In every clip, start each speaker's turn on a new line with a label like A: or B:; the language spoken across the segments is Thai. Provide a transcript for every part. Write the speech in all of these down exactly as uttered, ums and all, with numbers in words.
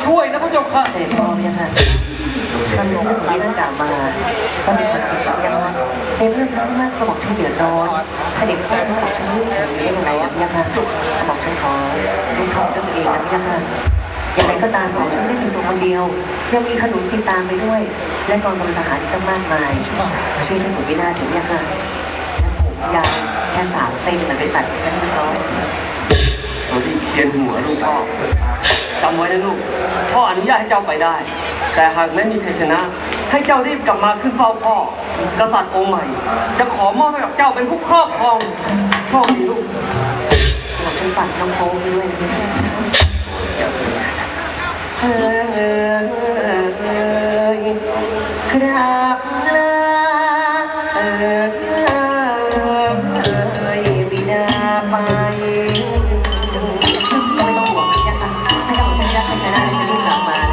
A: ช่วยนะพระเจ้าค่ะ
B: เสด็จพ่อเนี่ยค่ะท่านหลวงท่านเรื่องกล่าวมาก็เป็นความจริงอย่างนั้นในเรื่องพระมากกระบอกฉันเดือดร้อนเสด็จพ่อฉันบอกฉันเรื่องเฉยได้ยังไงอ่ะเนี่ยค่ะกระบอกฉันขอรู้ทองด้วยตัวเองนะเนี่ยค่ะอย่างไรก็ตามบอกฉันไม่เป็นตัวคนเดียวยังมีขนุนติดตามไปด้วยและกองกำลังทหารอีกตั้งมากมายชื่อท่านขุนวินาถถึงเนี่ยค่ะผมยาวแค่สามเซนมันไปตัดกันเรียบร้อย
A: เราที่เคียนหัวลูกพ่อจำไว้นะลูกพ่ออนุญาตให้เจ้าไปได้แต่หากไม่มีชัยชนะให้เจ้ารีบกลับมาขึ้นเฝ้าพ่อกษัตริย์องค์ใหม่จะขอมอบให้กับเจ้าเป็นผู้ครอบครองโชคดีลูก
B: ผมเป็นฝันน้องโฟไปด้วยเออครับลาเออบิดาไปไม่ต้องห่วงนะยักษ์นะให้กับฉันยักษ์ให้ชนะจะรีบกลับมาเลย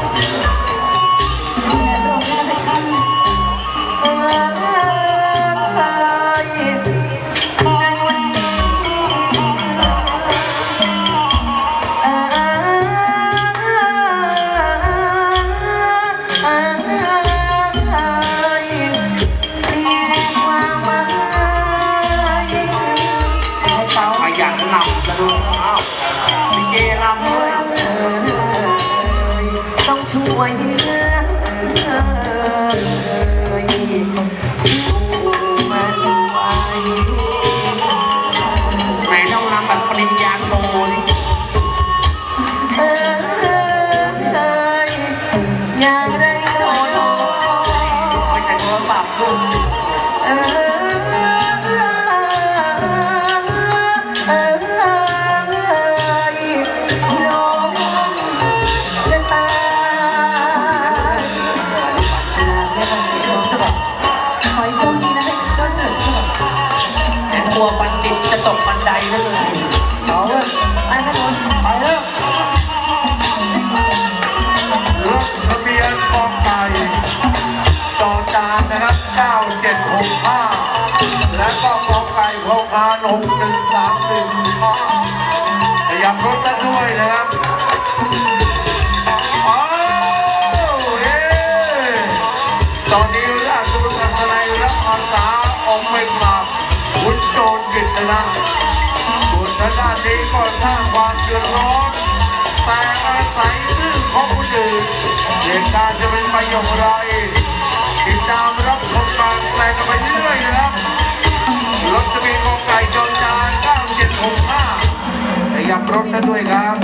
B: ต้องช่วยเหลือมันไว้
C: ไหนต้องรำแบบปริญญาโทนี่
B: เอออย่างไรก็โดน
A: ไม่ใช่โทรศัพท์ลูก
B: เออ
C: ตัวบัณฑิตจะตกบันไดนั่นเลย
B: เอาเลยไปให้หมดไปแล้ว
D: รถทะเบียนกองไก่จอจานนะครับเก้าเจ็ดหกห้าและก็กองไก่พกพานกหนึ่งสามหนึ่งขยับรถกันด้วยนะครับอ้าวเอ๊ตอนนี้ราชบุตรอัศนัยรับอาสาออกเป็นมาขุนโจรกิตนะส่วนทางด้านนี้ก็สร้างความเดือดร้อนแต่อาศัยชื่อของผู้อื่นเหตุการณ์จะเป็นไปอย่างไรติดตามรับชมการแปลงกันไปเรื่อยนะครับรถจะมีกองไก่จอจานเก้าเจ็ดหกห้าขยับรถกันด้วยครับ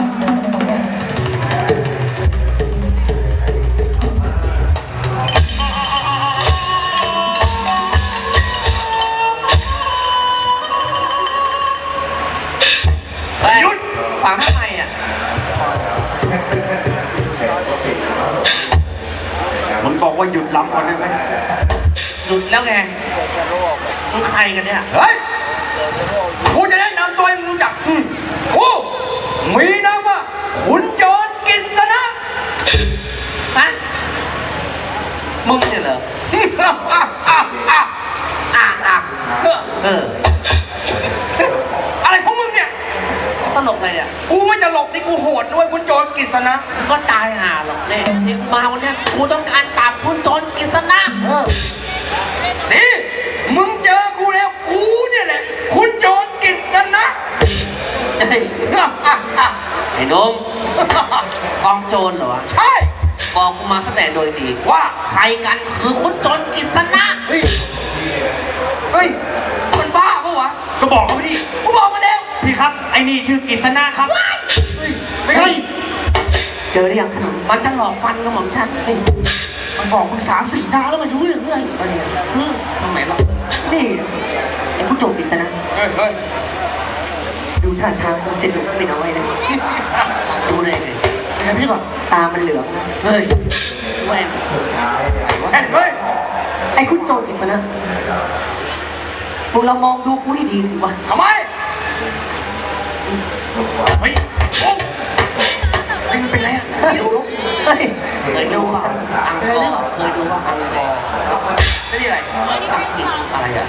C: หยุดฝังทำไมอ่ะ
A: มันบอกว่าหยุดล้ำก่อนได้ไหม
C: หยุดแล้วไงมึงใครกันเนี่ย
A: เฮ้ยกูจะแนะนำตัวให้มึงรู้จักกูมีนามว่าขุนโจรกิษณะ
C: ฮะมึงเนี่ยเหรออ่ะอ่ะเออ
A: อะไรของมึงเนี่ย
C: ตลกอะไรเนี่ย
A: กูไม่ตลกนี่กูโหดด้วยขุนโจรกิษณะ
C: ก็ตายห่าหรอกเนี่ยที่มาวันนี้กูต้องการปราบขุนโจรกิษณะ
A: นี่มึงเจอกูแล้วกูเนี่ยแหละขุนโจรกิษณะ
C: ไอ้นมกองโจรเหรอ
A: ใช่
C: บอกกูมาแสดงโดยดี
A: ว่า
C: ใครกันคือขุนโจรกิษณะ
A: เฮ้ยเฮ้ยมันบ้าปะวะก็บอกเขาไปดิกูบอกมาแล้วพี่ครับไอ้นี่ชื่อกิษณะครับ
B: ไม่ใช่เจอหรือยังขนม
C: มันจะหลอกฟันกับหม่อมฉัน
B: มันบอกมึงสามสี่ดาวแล้วมันรู้เรื่องเรื่อย
C: ทำไมหรอก
B: นี่ไอ้ผู้โจรกิษณะ
A: เฮ้ยเฮ้ย
B: ดูท่าทางคงจะดุไม่น้อยนะ
C: ดูเลยไง
B: ไอ้พี่บอกตามันเหลืองนะ
C: เฮ้ยแหวน
A: แหวนเฮ้ย
B: ไอ้คุณโจรกิษณะพวกเรามองดูกูให้ดีสิวะ
A: ทำไมเฮ้ยโอ้ไอ้มันเป็นไรอ่ะดูลูก
B: เฮ้ย
C: เคยดูว่าอังกอร์เคยดูว่าอังกอร์
A: ไม่ได้อะไร
C: อังกฤษอะไรอ่ะ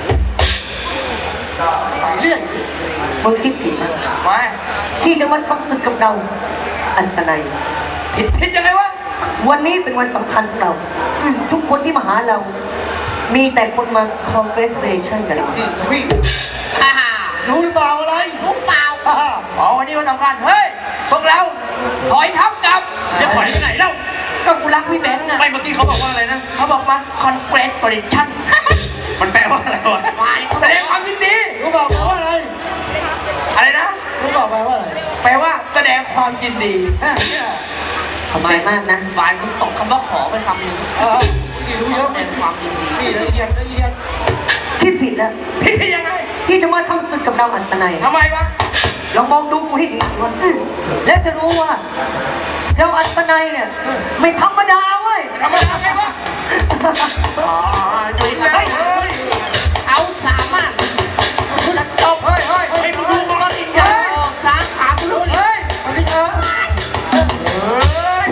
A: เรื่อง
B: มึงคิดผิดนะ
A: ไม่
B: ที่จะมาทำศึกกับเราอัศนัย
C: ผิดผิดยังไงวะ
B: วันนี้เป็นวันสำคัญของเรา ทุกคนที่มาหาเรา มีแต่คนมา congratulation กันเลย
C: วิ่งฮ่าฮ่ารู้หรือเปล่าอะไรรู้เปล่าฮ่าฮ่าอ๋อวันนี้วันสำคัญเฮ้ยพวกเราถอยทับกลับจะถอยไปไหนเล่าก็กูรักพี่แบงค์อะไม่เมื่อกี้เขาบอกว่าอะไรนะเขาบอกมา congratulation มันแปลว่าอะไรวะแสดงความยินดีรู้บอกแปลว่าอะไรอะไรนะรู้บอกแปลว่าอะไรแปลว่าแสดงความยินดีฮะเนี่ย
B: ขอบใจมากนะ
C: ฝ่ายมึงตกคำว่าขอไปคำหนึ่งเออนี่รู้เยอะแสดงความยินดีนี่ละเอียดละเอียด
B: ที่ผิดแล้ว
C: พี่ยังไง
B: ที่จะมาทำศึกกับเราอัศนัย
C: ทำไมวะ
B: ลองมองดูกูให้ดีสิวะแล้วจะรู้ว่า เราอัศนัยเนี่ย ไม่ธรรมดาเว้ย
C: ทำไมทำไงวะอ๋อดูเฮ้ยเขาสามารถจะจบเฮ้ยเฮ้ยเฮ้ยมึงดูมันก็ดิ้นใหญ่สามขาคุณรู้เฮ้ยมันดิ้นเฮ้ย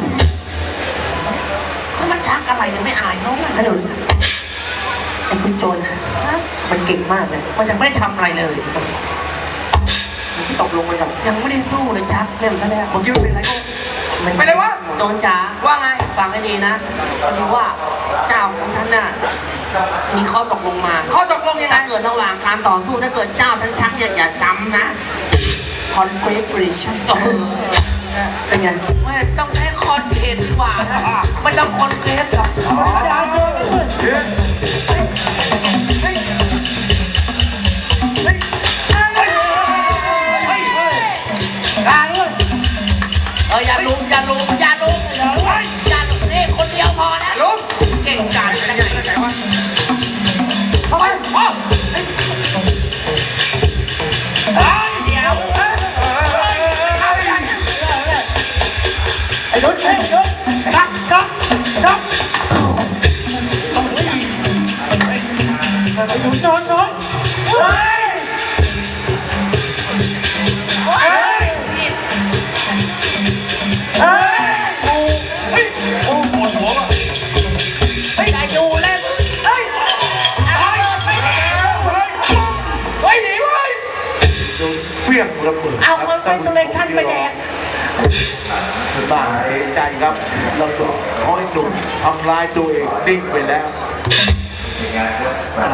C: มันชักอะไรยังไม่อายเขาเลย
B: ขนุนไอ้คุณโจรมันเก่งมากเลย
C: มันยังไม่ได้ทำอะไรเลย
B: ที่ตกลงไปกับ
C: ยังไม่ได้สู้เลยชักเล่นซะแล้ว
B: เมื่อกี้มันเป็นอะไรก็มัน
C: ไปเลยวะโจรจ๋าว่าไงฟังให้ดีนะพอดีว่าเจ้าของฉันน่ะมีข้อตกลงมาข้อตกลงยังไงถ้าเกิดระหว่างการต่อสู้ถ้าเกิดเจ้าฉันชักอย่าอย่าซ้ำนะ confederation เออ
B: เป็นไง
C: ไม่ต้องใช้คอนเทนต์ดีกว่านะไม่ต้องคอนเทนต์หรอกเอออย่าลุมอย่าลุมอย่าลุมอย่าลุมอย่าลุมนี่คนเดียวพอแล้วลุมเก่งกาจกันไหนกันไหนวะเข้าไปพ่อเดี๋ยวไอ้ลุนไอ้ลุนชักชักชักไอ้ลุนนอนนอนเฮ้ยเฮ้ยเฮ้ยโอ้เฮ้ยโอ้ปวดหัวว่ะเฮ้ยอย่าอยู่เลยเฮ้ยเฮ้ยเฮ้ยเฮ้ยหนีเว้ย
D: เฟี้ยงระเบิด
C: เอาเงินไปตัวเลชั่นไปแดก
D: บ้าเสียใจครับเราก็คอยหนุ่มทำลายตัวเองดิ้งไปแล้ว